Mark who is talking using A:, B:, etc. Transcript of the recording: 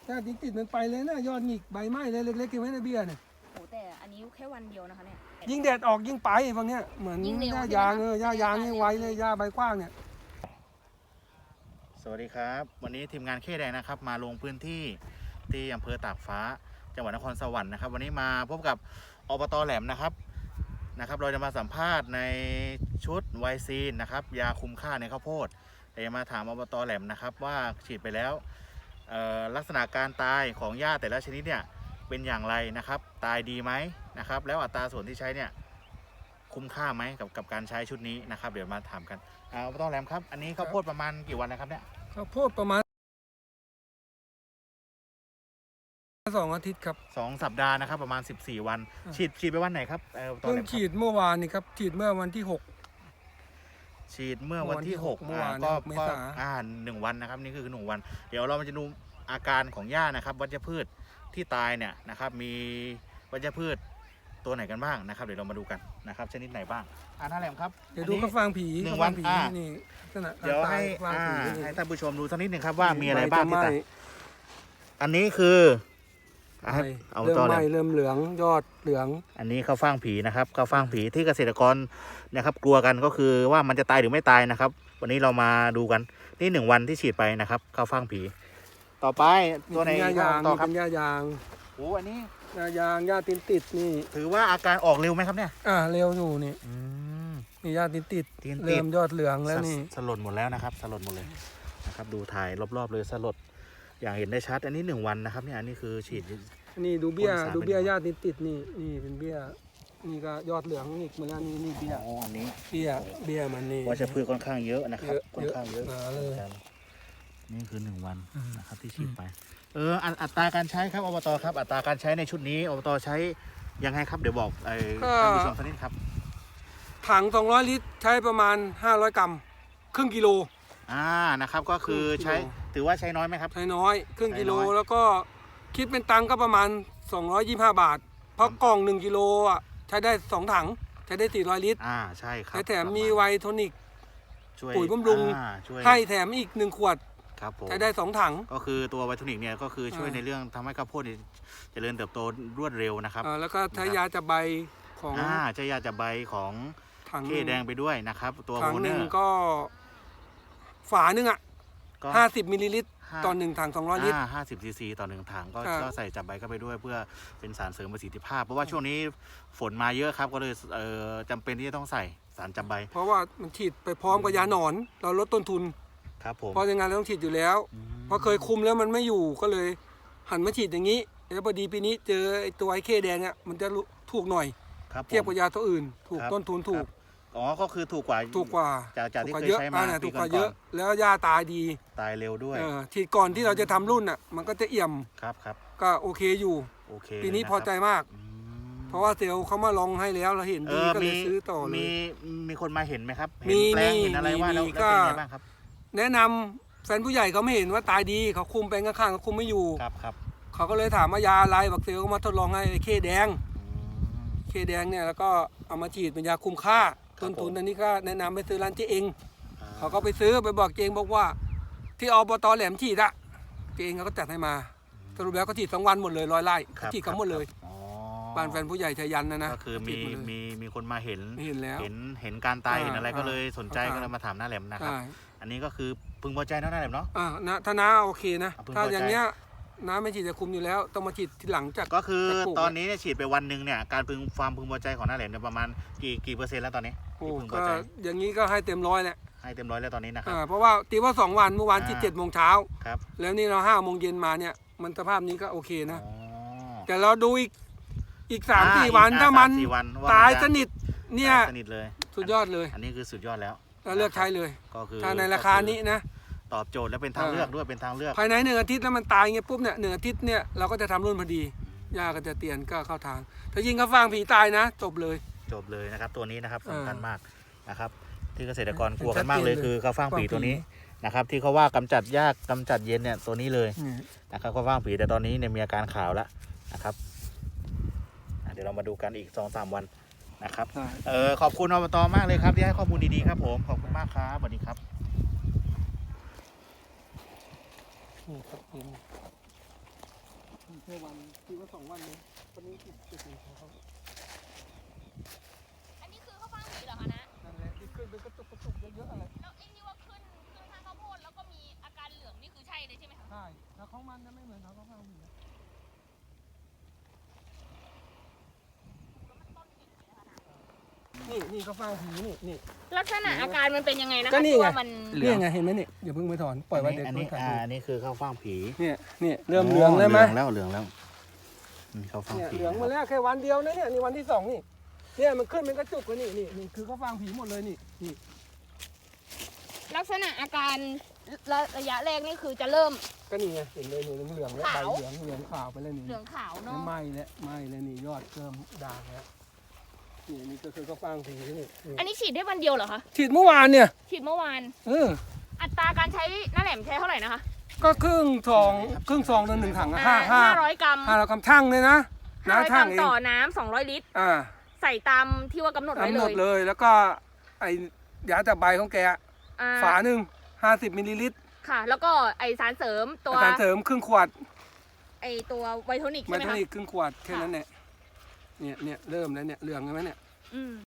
A: หญ้าติดมันไปเลยนะยอดหงิกใบไม้เลยเล็กๆกินไว้ในเบี้ยเนี่ย
B: โอ้แต่อันนี้แค่วันเดียวนะคะเนี่ย
A: ยิ่งแดดออกยิ่งไปพวกเนี้ยเหมือนหญ้ายางหญ้ายางนี่ไวเลยหญ้าใบกว้างเนี่ย
C: สวัสดีครับวันนี้ทีมงานเคแดงนะครับมาลงพื้นที่ที่อำเภอตากฟ้าจังหวัดนครสวรรค์นะครับวันนี้มาพบกับอบต.แหลมนะครับเราจะมาสัมภาษณ์ในชุดไวซีนนะครับยาคุมค่าในข้าวโพดแต่จะมาถามอบต.แหลมนะครับว่าฉีดไปแล้วลักษณะการตายของหญ้าแต่ละชนิดเนี่ยเป็นอย่างไรนะครับตายดีไหมนะครับแล้วอัตราส่วนที่ใช้เนี่ยคุ้มค่าไหมกับการใช้ชุดนี้นะครับเดี๋ยวมาถามกันอบต.แหลมครับอันนี้ข้าวโพดประมาณกี่วันนะครับเนี่ย
A: ข้าวโพดประมาณ2 อาทิตย์ครับ
C: 2 สัปดาห์นะครับประมาณ14 วันฉีดไปวันไหนครับ
A: เพิ่งฉีดเมื่อวานนี่ครับฉีดเมื่อวันที่6
C: ฉีดเมื่อวันที่6
A: เมื่อวาน
C: ก็1 วันนะครับนี่คือ1 วันเดี๋ยวเราจะดูอาการของหญ้านะครับวัชพืชที่ตายเนี่ยนะครับมีวัชพืชตัวไหนกันบ้างนะครับเดี๋ยวเรามาดูกันนะครับชนิดไหนบ้างน้าแหลมครับ
A: เดี๋ยวดูข้าวฟ่างผี
C: 1 วัน
A: นี่
C: เดี๋ยวให้ท่านผู้ชมดูสักนิดหนึ่งครับว่ามีอะไรบ้างที่ตายอันนี้คือ
A: เริ่มไหม้เริ่มเหลืองยอดเหลือง
C: อันนี้ข้าวฟ่างผีนะครับข้าวฟ่างผีที่เกษตรกรนะครับกลัวกันก็คือว่ามันจะตายหรือไม่ตายนะครับวันนี้เรามาดูกันนี่1 วันที่ฉีดไปนะครับข้าวฟ่างผีต่อไปตัวไหน
A: ต่อครับเป็นหญ้ายาง
C: โอ้อันนี้
A: หญ้ายางหญ้าติดนี่
C: ถือว่าอาการออกเร็วไหมครับเนี่ย
A: เร็วอยู่นี่มีหญ้าติดเริ่มยอดเหลืองแล้วนี่
C: สลดหมดแล้วนะครับสลดหมดเลยนะครับดูถ่ายรอบๆเลยสลดอย่างเห็นได้ชัดอันนี้1 วันนะครับเนี่ยอันนี้คือฉีด
A: นี่ดูเบี้ยหญ้าติดนี่เป็นเบี้ยนี่ก็ยอดเหลืองอีกเหมือนกันนี่เบี้ย
C: อันนี้
A: เบี้ยมันนี่
C: วัชพืชค่อนข้างเยอะนะครับค่อนข้างเยอะ
A: เลย
C: นี่คือ1 วันนะครับที่ฉีดไปอัตราการใช้ครับอบต.ครับอัตราการใช้ในชุดนี้อบต.ใช้ยังไงครับเดี๋ยวบอกท่านผู้ชมสักนิดครับ
A: ถัง200 ลิตรใช้ประมาณ500 กรัมครึ่งกิโล
C: นะครับก็คือใช้ถือว่าใช้น้อยไหมครับ
A: ใช้น้อยครึ่งกิโลแล้วก็คิดเป็นตังค์ก็ประมาณ225 บาทเพราะกล่อง1 กิโลใช้ได้2 ถังใช้ได้400 ลิตร
C: ใช่ครับ
A: แถมมีไวโทนิกปุ๋ยบำรุงให้แถมอีก1 ขวดใช้ได้2 ถัง
C: ก็คือตัวไวโทนิกเนี่ยก็คือช่วยในเรื่องทำให้ข้าวโพดเจริญเติบโตรวดเร็วนะครับ
A: แล้วก็ใช้ยาจับใบของ
C: ใช้ยาจับใบของเคแดงไปด้วยนะครับตัว
A: ถังหนึ่งก็ฝาหนึ่ง50 มิลลิลิตรต่อ1 ถัง200 ลิตร
C: 50 ซีซีต่อ1 ถังก็ใส่จับใบเข้าไปด้วยเพื่อเป็นสารเสริมประสิทธิภาพเพราะว่าช่วงนี้ฝนมาเยอะครับก็เลยจำเป็นที่จะต้องใส่สารจับใบ
A: เพราะว่ามันฉีดไปพร้อมกับยาหนอนเราลดต้นทุน
C: ครับผม
A: เพราะในงานเราต้องฉีดอยู่แล้วเพราะเคยคุมแล้วมันไม่อยู่ก็เลยหันมาฉีดอย่างนี้แล้วพอดีปีนี้เจอตัวไอ้เคแดงมันจะถูกหน่อยเทียบกับยาตัวอื่นถูกต้นทุนถูก
C: ก็คือถูกกว่าจากที่เคยใช้มา
A: ถูกกว่าเยอะแล้วหญ้าตายดี
C: ตายเร็วด้วย
A: ฉีดก่อนที่เราจะทำรุ่นมันก็จะเอี่ยม
C: ครับ
A: ก็โอเคอยู่ปีนี้พอใจมากเพราะว่าเซลล์เขามาลองให้แล้วเราเห็นดีก็เลยซื้อต่อเลย
C: มีคนมาเห็นไหมครับเห็นแปลงเห็นอะไรว่าแล้วเป็นไงบ้างครับ
A: แนะนำแฟนผู้ใหญ่เขาไม่เห็นว่าตายดีเขาคุมแปลงข้างๆเขาคุมไม่อยู่
C: ครับ
A: เขาก็เลยถามว่ายาอะไรบักเซลล์มาทดลองให้เคแดงเนี่ยแล้วก็เอามาฉีดเป็นยาคุมค่าต้นทุนอันนี้ก็แนะนำไปซื้อร้านเจ๊เองเขาก็ไปซื้อไปบอกเจ๊เองบอกว่าที่อบต.แหลมฉีดเจ๊เองเขาก็จัดให้มาสรุปแล้วก็ฉีด2 วันหมดเลย100 ไร่ฉีดเขาหมดเลยบ้านแฟนผู้ใหญ่ชัยยันนะ
C: ก็คือมีคนมาเห็น
A: แล้ว
C: เห็นการตายเห็นอะไรก็เลยสนใจก็เลยมาถามน้าแหลมนะครับอันนี้ก็คือพึงพอใจน้าแหลมเนาะ
A: ถ้าน้าโอเคนะถ้าอย่างเนี้ยน้าไม่ฉีดจะคุมอยู่แล้วต้องมาฉีดทีหลังจาก
C: ก็คือตอนนี้เนี่ยฉีดไปวันหนึ่งเนี่ยการความพึงพอใจของน้าแหลมเนี่ยประมาณกี่%แล้วตอนนี้
A: ก็อย่างนี้ก็ให้เต็ม100แหละ
C: ให้เต็ม100แล้วตอนนี้นะครับ
A: เพราะว่าตีว่า2 วันเมื่อวานฉีด7 โมงเช้า
C: ครับ
A: แล้วนี่เรา5 โมงเย็นมาเนี่ยมันสภาพนี้ก็โอเคนะแต่เราดูอีก3-4 วันถ้ามันตายสนิทเนี่ย
C: เลย
A: สุดยอดเลย
C: อันนี้คือสุดยอดแล้ว
A: เลือกใช้เลย
C: ก็คือ
A: ถ้าในราคานี้นะ
C: ตอบโจทย์และเป็นทางเลือกด้วยเป็นทางเลือก
A: ภายใน1 อาทิตย์แล้วมันตายเงี้ยปุ๊บเนี่ย1 อาทิตย์เนี่ยเราก็จะทำรุ่นพอดียาก็จะเตียนก็เข้าทางถ้ายิงข้าวฟ่างผีตายนะจบเลย
C: นะครับตัวนี้นะครับสำคัญมากนะครับที่เกษตรกรกลัวกันมากเลยคือข้าวฟ่างผีตัวนี้นะครับที่เขาว่ากำจัดยากกำจัดเย็นเนี่ยตัวนี้เลยนะครับข้าวฟ่างผีแต่ตอนนี้เนี่ยมีอาการขาวแล้วนะครับเดี๋ยวเรามาดูกันอีก 2-3 วันนะครับขอบคุณอบต.มากเลยครับที่ให้ข้อมูลดีๆครับผมขอบคุณมากครับสวัสดีครับ
A: นี่ครับแค่วันที่ว่า2 วันเลยตอนนี้ติดเขา
B: อันนี้คือข้าวฟ่างผีเหรอคะนะ
A: นั่นแหละที่ขึ้นเป็นกระตุกเยอะๆอะไร
B: แล้วไอ้ที่ว่าขึ้นทางข้าวโพดแล้วก็มีอาการเหลืองนี่คือใช่เลยใช่ไหมคะ
A: ใช่แล้วของมันนะไม่เหมือนเขาฟังผี นี่เขาฟังผีนี่
B: ลักษณะอาการมันเป็นยังไงนะคะ
A: ก็นี่ไง
B: ที่ว่ามัน
A: นี่ไงเห็นไหมนี่อย่าเพิ่งไปถอนปล่อยไว้เดี๋ยว
C: อัน
A: ต้
C: นี้
A: นขาด
C: อันนี้คือข้าวฟ่างผี
A: เนี่ยเริ่มเหลืองแล้วไหม
C: เหลืองแล้วเหลืองแล้วข้าวฟ่าง
A: เนี่ย
C: ผี
A: เหลืองมาแล้วแค่วันเดียวนะเนี่ยนี่วันที่2นี่เนี่ยมันขึ้นเป็นกระจุกเลยนี่คือเขาฟังผีหมดเลยนี่
B: ลักษณะอาการระยะแรกนี่คือจะเริ่ม
A: ก็นี่ไงเห็นเลยนี่เหลืองแล้วใบ
B: ขาว
A: เหลืองขาวไปแล้วนี่
B: เหลืองขาวเนาะ
A: ไหม้แล้วนี่ยอดเริ่มด่างแล้วนี่ก็คือเขาฟังผีนี่
B: อันนี้ฉีดได้วันเดียวเหรอคะ
A: ฉีดเมื่อวานเนี่ย
B: ฉีดเมื่อวาน
A: อั
B: อัตราการใช้หน้าแหลมใช้เท่าไหร่นะคะ
A: ก็ครึ่งซองต่อ1 ถังอะ
B: 500 กรัม
A: 500 กรัมช่างเลยนะนะ
B: 500 ก
A: ช่า
B: รั
A: ง
B: ม
A: เอง
B: ต่อน้ำ200 ลิตร ใส่ตามที่ว่ากำหนดไว้
A: กำห
B: เล
A: นด
B: ย
A: เลยแล้วก็ไอ้ยาจากใบของแก
B: อ่า
A: ฝาหนึ่ง50 มิลลิลิตร
B: ค่ะ แล้วก็ไอสารเสริมตัว
A: อาหารเสริมครึ่งขวด
B: ไอตัวไวโทนิก
A: ไม
B: ใช่ไหม
A: โท
B: คะ
A: นิกครึ่งขวดแค่นั้นแหละเนี่ยเริ่มแล้วเนี่ยเหลืองใช่ไหมเนี่ย
B: อืม